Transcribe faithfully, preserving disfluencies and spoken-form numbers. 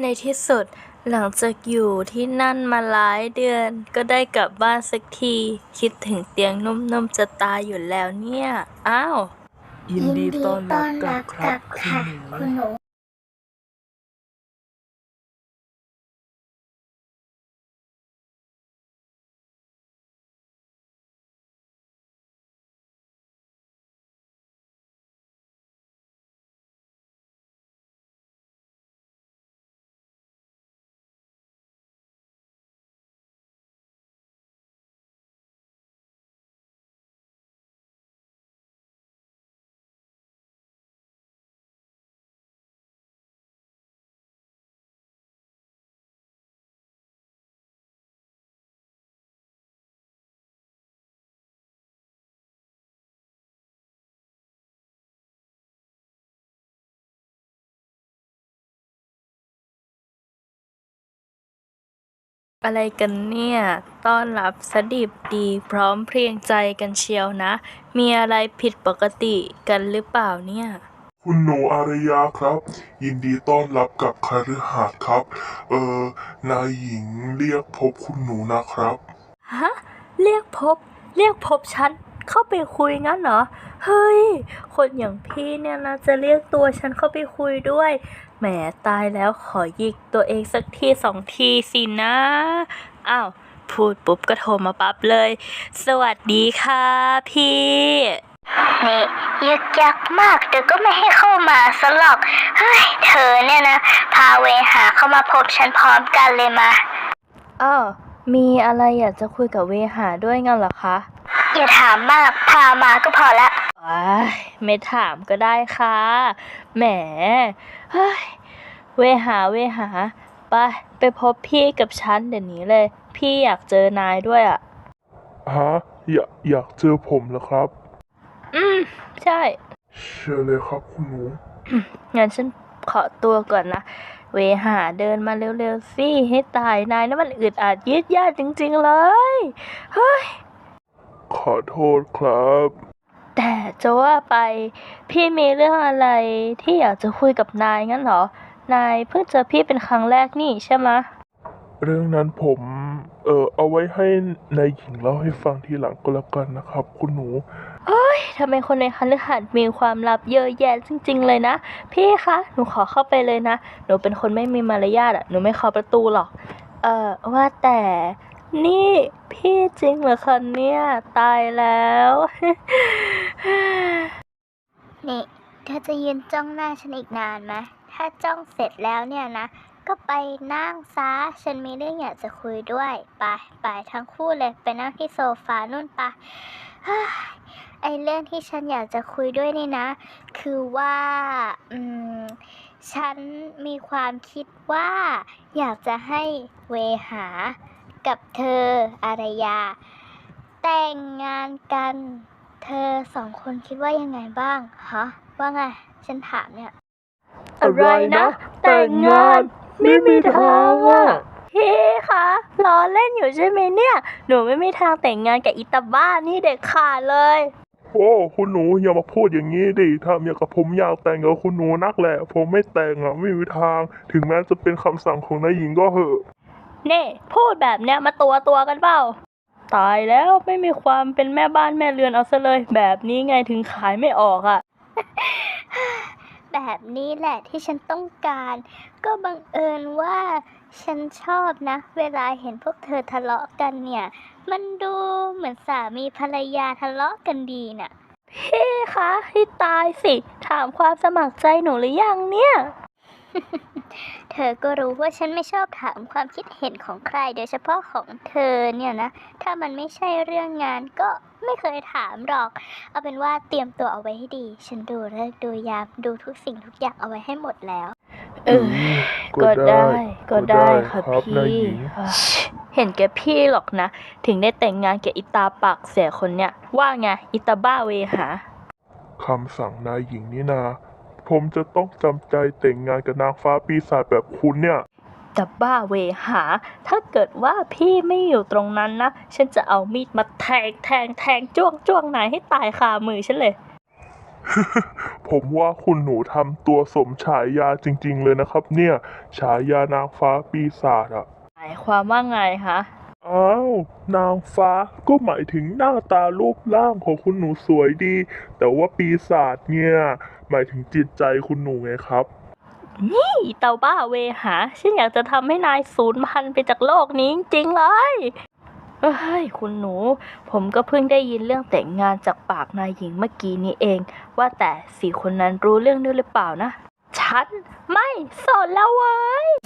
ในที่สุดหลังจากอยู่ที่นั่นมาหลายเดือนก็ได้กลับบ้านสักทีคิดถึงเตียงนุ่มๆจะตายอยู่แล้วเนี่ยอ้าวยินดีต้อนรับกลับครับคุณหนูคุณหนูอะไรกันเนี่ยต้อนรับสดิบดีพร้อมเพรียงใจกันเชียวนะมีอะไรผิดปกติกันหรือเปล่าเนี่ยคุณหนูอารยาครับ ยินดีต้อนรับกับคฤหาสน์ครับ เออนายหญิงเรียกพบคุณหนูนะครับฮะเรียกพบเรียกพบฉันเข้าไปคุยงั้นเหรอเฮ้ยคนอย่างพี่เนี่ยนะจะเรียกตัวฉันเข้าไปคุยด้วยแหมตายแล้วขอหยิกตัวเองสักทีสองทีสินะอ้าวพูดปุ๊บก็โทรมาปั๊บเลยสวัสดีค่ะพี่นี่ยึกยักมากเดี๋ยวก็ไม่ให้เข้ามาซะหรอกเฮ้ยเธอเนี่ยนะพาเวหาเข้ามาพบฉันพร้อมกันเลยมาอ้าวมีอะไรอยากจะคุยกับเวหาด้วยงั้นเหรอคะอย่าถามมากพามาก็พอละว้ายไม่ถามก็ได้ค่ะแหมเฮ้ยเวหาเวหาไปไปพบพี่กับฉันเดี๋ยวนี้เลยพี่อยากเจอนายด้วยอ่ะฮะอยากอยากเจอผมเหรอครับอืมใช่เชิญเลยครับคุณหนูงั้นฉันขอตัวก่อนนะเวหาเดินมาเร็วๆสิให้ตายนายนั่นมันอึดอัดยืดยาดจริงๆเลยเฮ้ยขอโทษครับแต่จะว่าไปพี่มีเรื่องอะไรที่อยากจะคุยกับนายงั้นเหรอนายเพิ่งเจอพี่เป็นครั้งแรกนี่ใช่ไหมเรื่องนั้นผมเออเอาไว้ให้นายหญิงเล่าให้ฟังทีหลังก็แล้วกันนะครับ คุณหนูเฮ้ยทำไมคนในคฤหาสน์มีความลับเยอะแยะจริงๆเลยนะพี่คะหนูขอเข้าไปเลยนะหนูเป็นคนไม่มีมารยาทอ่ะหนูไม่เคาะประตูหรอกเอ่อว่าแต่นี่พี่จริงเหรอคะเนี่ยตายแล้วนี่เธอจะยืนจ้องหน้าฉันอีกนานไหมถ้าจ้องเสร็จแล้วเนี่ยนะก็ไปนั่งซะฉันมีเรื่องอยากจะคุยด้วยไปไปทั้งคู่เลยไปนั่งที่โซฟานู่นปะไอเรื่องที่ฉันอยากจะคุยด้วยนี่นะคือว่าอืมฉันมีความคิดว่าอยากจะให้เวหากับเธออารยาแต่งงานกันเธอสองคนคิดว่ายังไงบ้างฮะว่าไงฉันถามเนี่ยอะไรนะแต่งงานไม่มีทางอ่ะพี่คะล้อเล่นอยู่ใช่ไหมเนี่ยหนูไม่มีทางแต่งงานกับอิตาบ้านี่เด็ดขาดเลยโอ้คุณหนูอย่ามาพูดอย่างนี้ดิถ้าอย่างกับผมอยากแต่งกับคุณหนูนักแหละผมไม่แต่งอ่ะไม่มีทางถึงแม้จะเป็นคำสั่งของนายหญิงก็เหอะเน่พูดแบบเนี้ยมาตัวตัวกันเปล่าตายแล้วไม่มีความเป็นแม่บ้านแม่เรือนเอาซะเลยแบบนี้ไงถึงขายไม่ออกอ่ะแบบนี้แหละที่ฉันต้องการก็บังเอิญว่าฉันชอบนะเวลาเห็นพวกเธอทะเลาะกันเนี่ยมันดูเหมือนสามีภรรยาทะเลาะกันดีน่ะพี่คะให้ตายสิถามความสมัครใจหนูหรือยังเนี่ยเธอก็รู้ว่าฉันไม่ชอบถามความคิดเห็นของใครโดยเฉพาะของเธอเนี่ยนะถ้ามันไม่ใช่เรื่องงานก็ไม่เคยถามหรอกเอาเป็นว่าเตรียมตัวเอาไว้ให้ดีฉันดูฤกษ์ดูยามดูทุกสิ่งทุกอย่างเอาไว้ให้หมดแล้วเออก็ได้ก็ได้ค่ะพี่เห็นแกพี่หรอกนะถึงได้แต่งงานกับอิตาปากเสียคนเนี้ยว่าไงอิตาบ้าเวหาคำสั่งนายหญิงนี่นาผมจะต้องจำใจแต่งงานกับนางฟ้าปีศาจแบบคุณเนี่ยจะบ้าเวหาถ้าเกิดว่าพี่ไม่อยู่ตรงนั้นนะฉันจะเอามีดมาแทงแทงแทงจ้วงจ้วงนายให้ตายคามือฉันเลยผมว่าคุณหนูทำตัวสมฉายาจริง ๆ เลยนะครับ เนี่ย ฉายานางฟ้าปีศาจอะหมายความว่าไงคะอ้าว นางฟ้าก็หมายถึงหน้าตารูปร่างของคุณหนูสวยดี แต่ว่าปีศาจเนี่ย หมายถึงจิตใจคุณหนูไงครับนี่เตาบ้าเวหา ฉันอยากจะทำให้นายสูญพันธุ์ไปจากโลกนี้จริงๆเลยเฮ้ยคุณหนู ผมก็เพิ่งได้ยินเรื่องแต่งงานจากปากนายหญิงเมื่อกี้นี้เอง ว่าแต่สี่คนนั้นรู้เรื่องด้วยหรือเปล่านะ ฉันไม่สนแล้วเว้ย